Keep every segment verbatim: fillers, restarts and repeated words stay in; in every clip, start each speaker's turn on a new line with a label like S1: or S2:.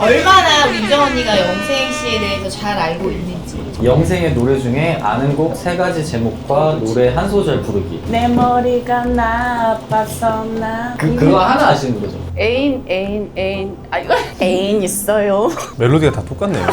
S1: 얼마나 민정 언니가 영생 씨에 대해서 잘 알고 있는지.
S2: 영생의 노래 중에 아는 곡 세 가지 제목과 노래 한 소절 부르기.
S3: 내 머리가 나빠서 나
S2: 그, 그거 하나 아시는 거죠?
S3: 애인 애인 애인 아 이거 애인 있어요.
S4: 멜로디가 다 똑같네요.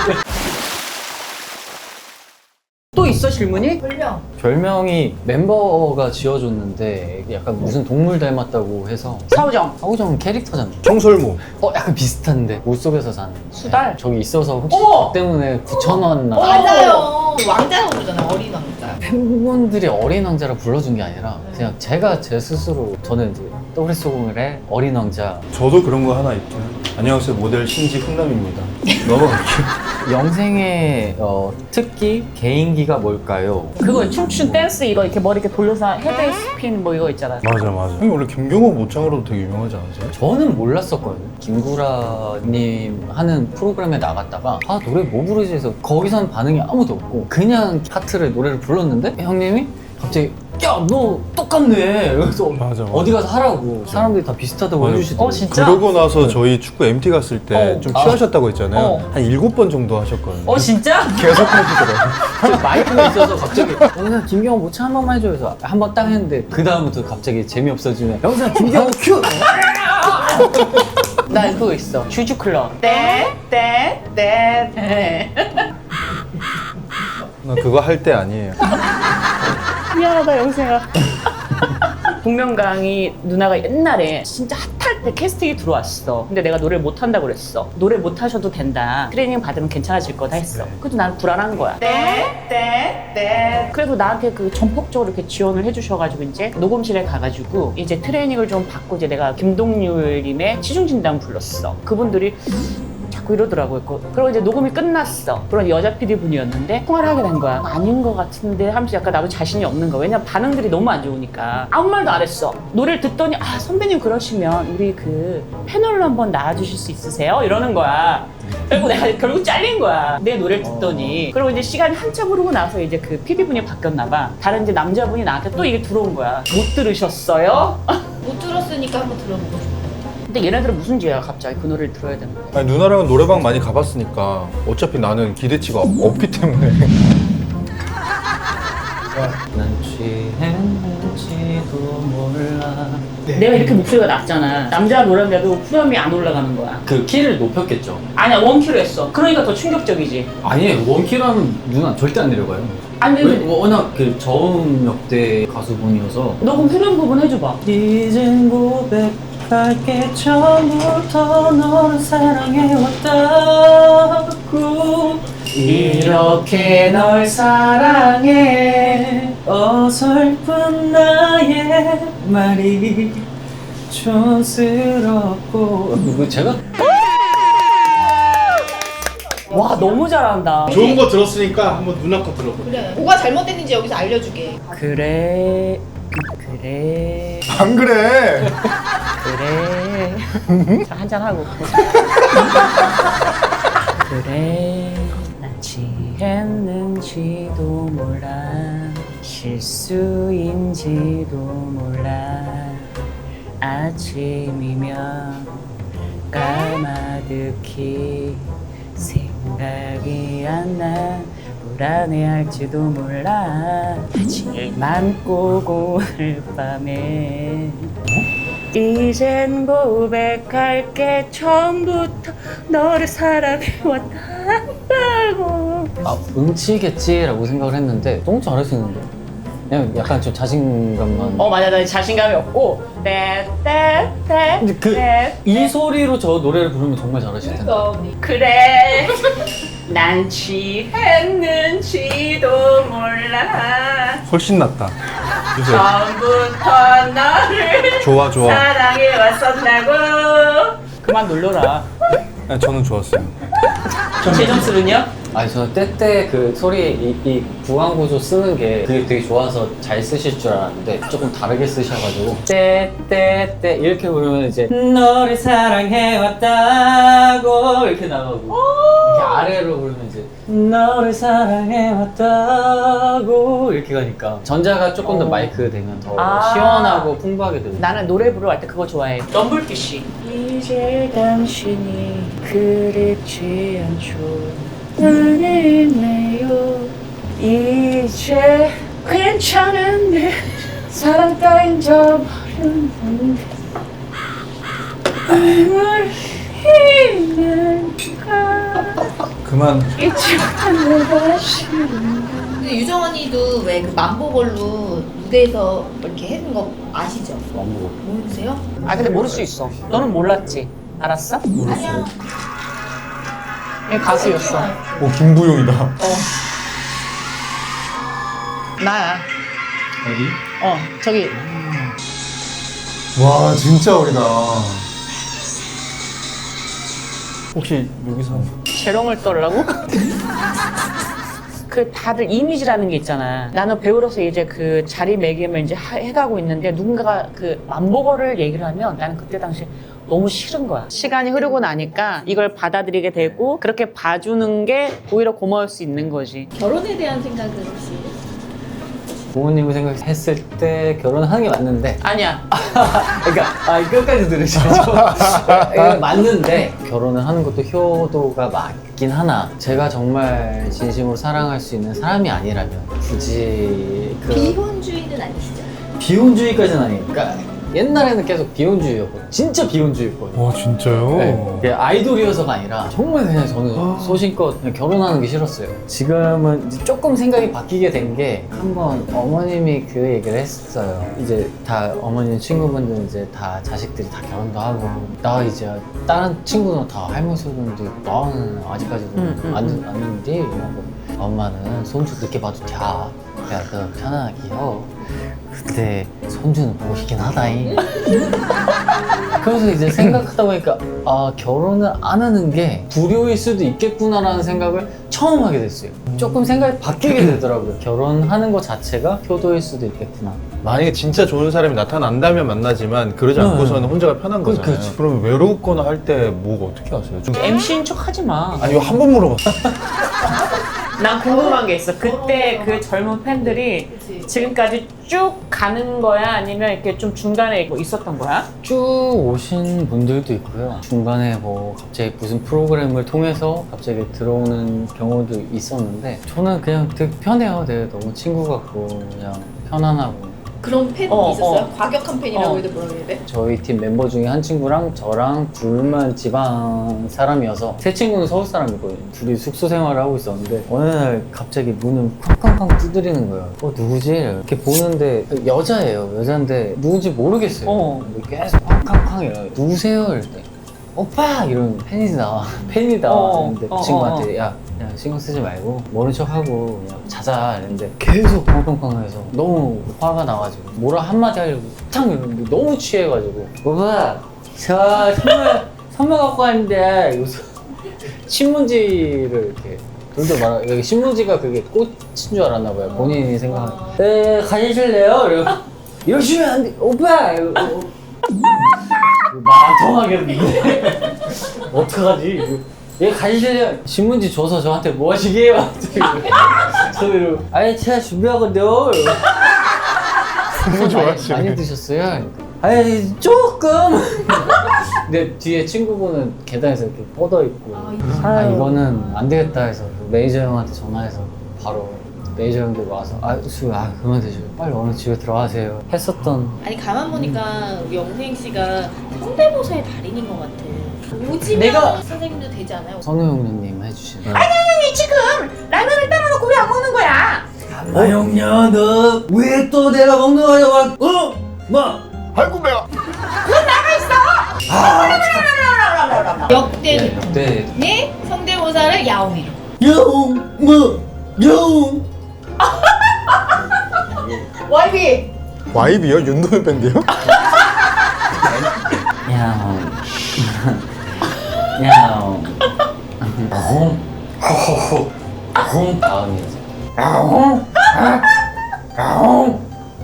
S3: 또 있어 질문이?
S1: 별명.
S2: 별명이 멤버가 지어줬는데 약간 무슨 동물 닮았다고 해서
S3: 사우정
S2: 하우정 캐릭터잖아.
S4: 청설모.
S2: 어 약간 비슷한데 물속에서 사는
S3: 수달
S2: 저기 있어서 혹시
S3: 어머!
S2: 그 때문에 붙여놨나.
S3: 어!
S1: 맞아요. 왕자라고 부르잖아요. 어린 왕자.
S2: 팬분들이 어린 왕자라 불러준 게 아니라 그냥 제가 제 스스로 저는 이제 더블에스오공일의 어린 왕자.
S4: 저도 그런 거 하나 있죠. 안녕하세요, 모델 신지 훈남입니다. 넘어갈게요.
S2: 영생의 어, 특기 개인기가 뭘까요?
S3: 그거 춤춘 댄스 이거 이렇게 머리 이렇게 돌려서 헤드 스핀 뭐 이거 있잖아.
S4: 맞아 맞아. 형이 원래 김경호 모창으로도 되게 유명하지 않으세요?
S2: 저는 몰랐었거든요. 김구라님 하는 프로그램에 나갔다가 아 노래 뭐 부르지 해서 거기선 반응이 아무도 없고 그냥 파트를 노래를 불렀는데 형님이 갑자기 야 너 똑같네. 그래서
S4: 맞아, 맞아.
S2: 어디 가서 하라고 사람들이 다 비슷하다고
S4: 맞아.
S2: 해주시더라고요.
S3: 어, 진짜?
S4: 그러고 나서 저희 축구 엠티 갔을 때
S3: 어.
S4: 좀
S2: 아.
S4: 취하셨다고 했잖아요.
S3: 어.
S4: 한 일곱 번 정도 하셨거든요.
S3: 어 진짜?
S4: 계속 해주더라고요.
S2: 저 마이크가 있어서 갑자기 어, 그냥 김경호 모창 한 번만 해줘 그래서 한 번 딱 했는데 그 다음부터 갑자기 재미없어지면 영상 김경호 큐!
S3: 나 그거 있어. 주주클럽. 떼떼떼떼.
S4: 나 그거 할 때 아니에요.
S3: 미안하다 영생아. 복면가왕이 누나가 옛날에 진짜 핫할 때 캐스팅이 들어왔어. 근데 내가 노래를 못한다고 그랬어. 노래 못하셔도 된다. 트레이닝 받으면 괜찮아질 거다 했어. 그래도 나는 불안한 거야. 떼떼떼. 그래도 나한테 그 전폭적으로 이렇게 지원을 해주셔가지고 이제 녹음실에 가가지고 이제 트레이닝을 좀 받고 이제 내가 김동률님의 치중진단 불렀어. 그분들이 자꾸 이러더라고요. 그리고 이제 녹음이 끝났어. 그런 여자 피디분이었는데 통화를 하게 된 거야. 아닌 것 같은데 하면서 약간 나도 자신이 없는 거야. 왜냐면 반응들이 너무 안 좋으니까. 아무 말도 안 했어. 노래를 듣더니 아 선배님 그러시면 우리 그 패널로 한번 나와주실 수 있으세요? 이러는 거야. 그리고 내가 결국 잘린 거야. 내 노래를 듣더니. 그리고 이제 시간이 한참 흐르고 나서 이제 그 피디분이 바뀌었나 봐. 다른 이제 남자분이 나한테 또 이게 들어온 거야. 못 들으셨어요?
S1: 못 들었으니까 한번 들어보고 싶어.
S3: 근데 얘네들은 무슨 죄야 갑자기 그 노래를 들어야 되는 거야.
S4: 아니, 누나랑은 노래방 많이 가봤으니까 어차피 나는 기대치가 없기 때문에.
S2: 난 취했는지도 몰라.
S3: 내가 이렇게 목소리가 낮잖아. 남자 노래인데도 후렴이 안 올라가는 거야.
S2: 그 키를 높였겠죠?
S3: 아니야 원키로 했어. 그러니까 더 충격적이지.
S2: 아니에요. 원키로 하면 누나 절대 안 내려가요.
S3: 아니
S2: 왜?
S3: 근데
S2: 워낙 그 저음 역대 가수분이어서.
S3: 너 그럼 후렴 부분 해줘봐.
S2: 이젠 고백할게 처음부터 너를 사랑해왔다고 이렇게 널 사랑해 어설픈 나의 말이 촌스럽고 그 제가
S3: 와 너무 잘한다.
S5: 좋은 거 들었으니까 한번 누나 거 들어봐.
S1: 그래. 뭐가 잘못됐는지 여기서 알려주게.
S3: 그래 그래
S4: 안 그래.
S3: 그래. 자 한잔 하고. 그래 난 취했는지도 몰라 실수인지도 몰라 아침이면 까마득히 생각이 안 나 불안해할지도 몰라 하지만 꼭 오늘 밤에 이젠 고백할게 처음부터 너를 사랑해왔다고.
S2: 아 음치겠지라고 생각을 했는데 너무 잘하시는데 그냥 약간 좀 자신감만.
S3: 어 맞아 나 자신감이 없고 떼떼떼
S2: 근데 그 이 소리로 저 노래를 부르면 정말 잘하실 텐데.
S1: 그러니까 언니.
S3: 그래 난 취했는지도 몰라
S4: 훨씬 낫다. 주세요.
S3: 처음부터 너를
S4: 좋아 좋아.
S3: 사랑해 왔었다고. 그만 놀려라.
S4: 아니, 저는 좋았어요.
S3: 제 점수는요?
S2: 아니 저 때때 그 소리 이, 이 구강구조 쓰는 게 그게 되게 좋아서 잘 쓰실 줄 알았는데 조금 다르게 쓰셔가지고 때때때 이렇게 부르면 이제 너를 사랑해왔다고 이렇게 나가고 이렇게 아래로 부르면 이제 너를 사랑해왔다고 이렇게 가니까 전자가 조금 더
S3: 어.
S2: 마이크 되면 더
S3: 아.
S2: 시원하고 풍부하게 들려.
S3: 나는 노래 부르러 갈 때 그거 좋아해. 럼블피쉬. 이제 당신이 그립지 않죠. 나는 있네요. 이제 괜찮은데 사랑 따윈 저버렸는데 뭘 힘을까
S4: 그만.
S3: 잊지 못한 내가 싫은
S1: 근데 유정 언니도 왜 그 만보걸로 무대에서 이렇게 해준 거 아시죠?
S2: 너무
S1: 모르세요?
S3: 아 근데 모를 수 있어. 너는 몰랐지? 알았어?
S1: 아니야.
S3: 얘 가수였어.
S4: 오 김부용이다.
S3: 어. 나야.
S2: 어디?
S3: 어 저기
S4: 와 진짜 어리다. 혹시 여기서
S3: 재롱을 떨라고? 그 다들 이미지라는 게 있잖아. 나는 배우로서 이제 그 자리매김을 이제 하- 해가고 있는데 누군가가 그 만보거를 얘기를 하면 나는 그때 당시 너무 싫은 거야. 시간이 흐르고 나니까 이걸 받아들이게 되고 그렇게 봐주는 게 오히려 고마울 수 있는 거지.
S1: 결혼에 대한 생각은 혹시?
S2: 부모님을 생각했을 때 결혼하는 게 맞는데
S3: 아니야.
S2: 그러니까 아, 끝까지 들으셔야죠. 이게 맞는데 결혼을 하는 것도 효도가 맞긴 하나 제가 정말 진심으로 사랑할 수 있는 사람이 아니라면 굳이 그
S1: 비혼주의는 아니시죠?
S2: 비혼주의까지는 아니니까 옛날에는 계속 비혼주의였고 진짜 비혼주의였거든요.
S4: 와 진짜요?
S2: 네, 이게 아이돌이어서가 아니라 정말 그냥 저는
S4: 아.
S2: 소신껏 그냥 결혼하는 게 싫었어요. 지금은 이제 조금 생각이 바뀌게 된 게 한번 어머님이 그 얘기를 했어요. 이제 다 어머님 친구분들 이제 다 자식들이 다 결혼도 하고 나 이제 다른 친구는 다 할머니 손주인데 나는 아직까지도
S3: 음, 음,
S2: 안
S3: 음.
S2: 안는데 이러고 엄마는 손주 늦게 봐도 돼. 그냥 그 편안하게 요. 그때 손주는 보고 싶긴 하다잉. 그래서 이제 생각하다 보니까 아 결혼을 안 하는 게 불효일 수도 있겠구나라는 생각을 처음 하게 됐어요. 조금 생각이 바뀌게 되더라고요. 결혼하는 것 자체가 효도일 수도 있겠구나.
S4: 만약에 진짜 좋은 사람이 나타난다면 만나지만 그러지
S2: 네.
S4: 않고서는 혼자가 편한
S2: 그-
S4: 거잖아요.
S2: 그렇죠.
S4: 그럼 외롭거나 할 때 뭐 어떻게 하세요? 좀
S3: 엠씨인 척 하지 마.
S4: 아니 이거 한 번 물어봤어.
S3: 난 궁금한 게 있어. 그때 그 젊은 팬들이
S1: 그치.
S3: 지금까지 쭉 가는 거야? 아니면 이렇게 좀 중간에 뭐 있었던 거야?
S2: 쭉 오신 분들도 있고요. 중간에 뭐 갑자기 무슨 프로그램을 통해서 갑자기 들어오는 경우도 있었는데 저는 그냥 되게 편해요. 되게 너무 친구 같고 그냥 편안하고.
S1: 그런 팬
S3: 어,
S1: 있었어요?
S3: 어.
S1: 과격한 팬이라고
S3: 어.
S1: 해도 뭐라 그래야 돼?
S2: 저희 팀 멤버 중에 한 친구랑 저랑 둘만 지방 사람이어서 세 친구는 서울 사람이거든요. 둘이 숙소 생활을 하고 있었는데 어느 날 갑자기 문을 쾅쾅쾅 두드리는 거예요. 어 누구지? 이렇게 보는데 여자예요. 여자인데 누군지 모르겠어요.
S3: 어.
S2: 근데 계속 쾅쾅쾅 이래요. 누구세요? 이럴 때 오빠! 이러면 팬이다. 팬이다.
S3: 어,
S2: 이랬는데
S3: 어,
S2: 그 친구한테 야 그냥 신경 쓰지 말고 모른 척하고 그냥 자자 이랬는데 계속 펑펑펑 해서 너무 화가 나가지고 뭐라 한마디 하려고 탁 이러는데 너무 취해가지고 오빠 저 선물 선물 갖고 왔는데 이러면서 신문지를 이렇게 돌돌 말아 여기 신문지가 그게 꽃인 줄 알았나 봐요. 본인이 생각하는 네 가지실래요? 이러고 이러시면 안 돼 오빠! 이러고 말 통하겠는데 어떡하지? 얘 가지실래요? 신문지 줘서 저한테 뭐 하시게요? 저 이러고 아니 제가 준비하거든요.
S4: 너무
S2: 많이,
S4: 좋아하시네.
S2: 많이 드셨어요? 아니 조금. 근데 뒤에 친구분은 계단에서 이렇게 뻗어 있고
S1: 아,
S2: 아 이거는 안 되겠다 해서 매니저 형한테 전화해서 바로 매니저 형들 와서 아술 아 그만 드셔요. 빨리 얼른 집에 들어가세요. 했었던.
S1: 아니 가만 보니까 우리 영생 씨가 성대모사의 달인인 것 같아. 오지명
S3: 내가-
S1: 선생님도 되지 않아요?
S2: 선우형님 해주신.
S3: 아니 지금 라면을 따라놓고 왜 안 먹는 거야?
S2: 아 형ня 너 왜 또 내가 먹는 거야? 어? 뭐?
S4: 아이고 배가.
S1: 역대
S2: 네.
S1: 네 성대모사를 야옹이로.
S2: 영, 뭐, 영.
S3: 와이비!
S4: 와이비요? 윤도현 밴드요?
S2: 야옹. 야옹. 홍. 호호호. 홍. 다음이지. 야옹. 야옹.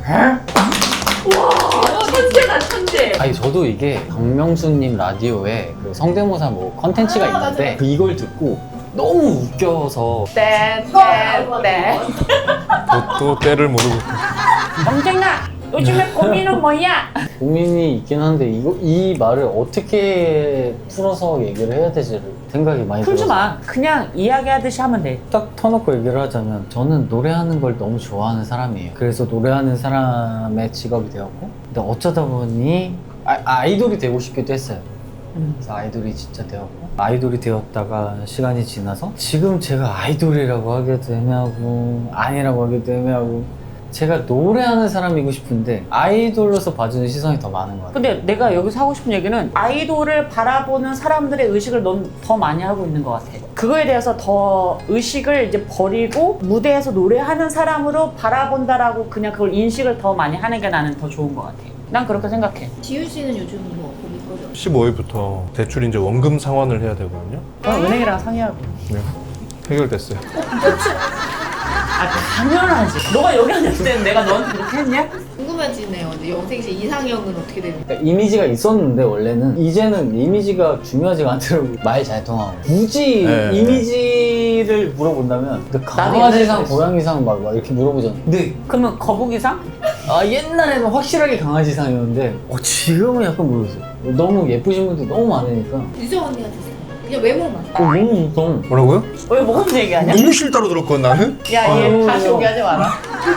S3: 천재다 천재!
S2: 아니 저도 이게 박명수님 라디오에 그 성대모사 뭐 컨텐츠가
S1: 아,
S2: 있는데
S1: 맞아요.
S2: 그 이걸 듣고 너무 웃겨서
S3: 떼떼떼
S4: 또, 또 때를 모르고.
S3: 영생아 요즘에 고민은 뭐야?
S2: 고민이 있긴 한데 이거 이 말을 어떻게 풀어서 얘기를 해야 되지를 생각이 많이
S3: 풀지
S2: 들어서
S3: 마. 그냥 이야기하듯이 하면 돼.
S2: 딱 터놓고 얘기를 하자면 저는 노래하는 걸 너무 좋아하는 사람이에요. 그래서 노래하는 사람의 직업이 되었고 근데 어쩌다 보니 아, 아이돌이 되고 싶기도 했어요.
S3: 음.
S2: 그래서 아이돌이 진짜 되었고 아이돌이 되었다가 시간이 지나서 지금 제가 아이돌이라고 하기도 애매하고 아니라고 하기도 애매하고 제가 노래하는 사람이고 싶은데 아이돌로서 봐주는 시선이 더 많은 것 같아요.
S3: 근데 내가 여기서 하고 싶은 얘기는 아이돌을 바라보는 사람들의 의식을 넌 더 많이 하고 있는 것 같아. 그거에 대해서 더 의식을 이제 버리고 무대에서 노래하는 사람으로 바라본다라고 그냥 그걸 인식을 더 많이 하는 게 나는 더 좋은 것 같아. 난 그렇게 생각해.
S1: 지윤 씨는 요즘 뭐 고민 거리 없어요?
S4: 십오 일부터 대출 이제 원금 상환을 해야 되거든요.
S3: 그럼 은행이랑 상의하고.
S4: 네. 해결됐어요.
S3: 아 당연하지. 너가 여기 앉았을 때는 내가 너한테 그렇게 했냐?
S1: 궁금해지네요. 이제 영생 씨 이상형은 어떻게 되는 거예요?
S2: 그러니까 이미지가 있었는데 원래는 이제는 이미지가 중요하지가 않더라고. 말 잘 통하고 굳이
S4: 네.
S2: 이미지를 물어본다면 근데
S3: 나도
S2: 강아지상
S3: 옛날에
S2: 고양이상 막, 막 이렇게 물어보잖아. 근데
S3: 그러면 거북이상?
S2: 아 옛날에는 확실하게 강아지상이었는데 어, 지금은 약간 모르겠어. 너무 예쁘신 분들이 너무 많으니까
S1: 유정 언니한테 그냥 외모만.
S2: 어, 너무 무서워.
S4: 뭐라고요?
S3: 왜 뭐가 얘기하냐?
S4: 너무 싫다로 들었거든 나는?
S3: 야, 얘
S2: 아유.
S3: 다시 오게 하지 마라.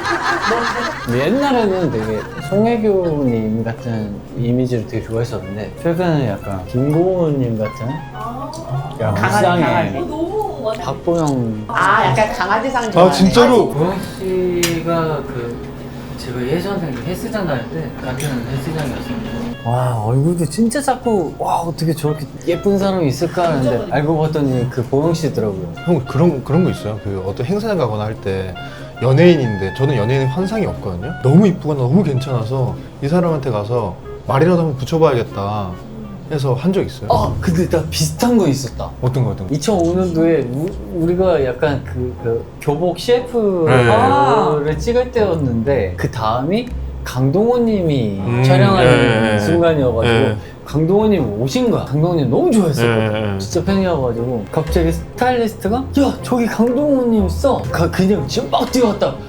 S2: 근데 옛날에는 되게 송혜교님 같은 이미지를 되게 좋아했었는데 최근에 약간 김고은님 같은 야
S3: 강아지,
S2: 불쌍해.
S3: 강아지.
S1: 너무 맞아.
S2: 박보영
S3: 아, 약간 강아지상 좋아하네.
S4: 아 진짜로?
S2: 보영 씨가 그 제가 예전에 헬스장 다닐 때 같은 헬스장이었었는데 와 얼굴도 진짜 작고 와 어떻게 저렇게 예쁜 사람이 있을까 하는데 알고 봤더니 그 보영 씨더라고요.
S4: 형 그런 그런 거 있어요. 그 어떤 행사에 가거나 할 때 연예인인데 저는 연예인 환상이 없거든요. 너무 이쁘거나 너무 괜찮아서 이 사람한테 가서 말이라도 한번 붙여봐야겠다 해서 한 적 있어요.
S2: 아 근데 나 비슷한 거 있었다.
S4: 어떤 거 어떤 거?
S2: 이천오 년도에 우, 우리가 약간 그, 그 교복 셰프를
S4: 네.
S2: 찍을 때였는데 그 다음이 강동원님이
S4: 음,
S2: 촬영하는
S4: 예, 예,
S2: 순간이어가지고
S4: 예.
S2: 강동원님 오신 거야. 강동원님 너무 좋아했었거든.
S4: 예, 예.
S2: 진짜 팬이어가지고 갑자기 스타일리스트가 야 저기 강동원님 있어. 가, 그냥 지금 막 뛰어왔다. 어,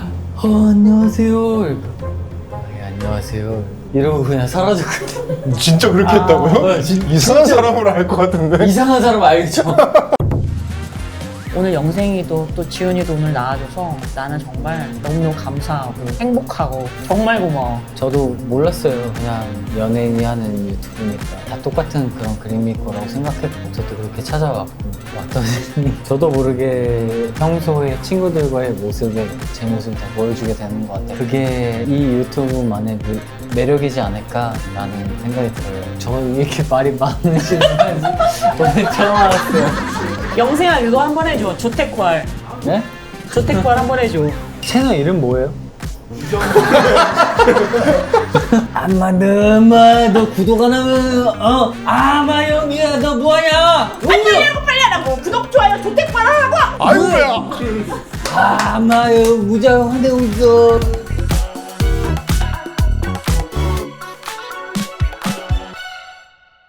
S2: 안녕하세요. 이러고, 예, 안녕하세요. 이러고 그냥 사라졌거든.
S4: 진짜 그렇게
S3: 아,
S4: 했다고요?
S2: 어, 진-
S4: 이상한
S2: 진짜.
S4: 사람으로 알 것 같은데.
S2: 이상한 사람 알죠?
S3: 오늘 영생이도 또 지훈이도 오늘 나와줘서 나는 정말 너무너무 감사하고 행복하고 정말 고마워.
S2: 저도 몰랐어요. 그냥 연예인이 하는 유튜브니까 다 똑같은 그런 그림일 거라고 생각했고 저도 그렇게 찾아왔고 왔더니 저도 모르게 평소에 친구들과의 모습에 제 모습을 다 보여주게 되는 것 같아요. 그게 이 유튜브만의 매- 매력이지 않을까라는 생각이 들어요. 저 이렇게 말이 많으신 분인지 오늘 처음 알았어요.
S3: 영생아 이거 한번 해줘. 조태퀄.
S2: 네?
S3: 조태퀄 한번 해줘.
S2: 채널 이름 뭐예요? 아마 너마 너 구독 안 하면 어 아마 영이야 너 뭐하냐?
S3: 빨리 하라고 빨리 하라고. 구독 좋아요 조태퀄 하라고.
S4: 아이고야.
S2: 아마 여 무장 화내고 있어.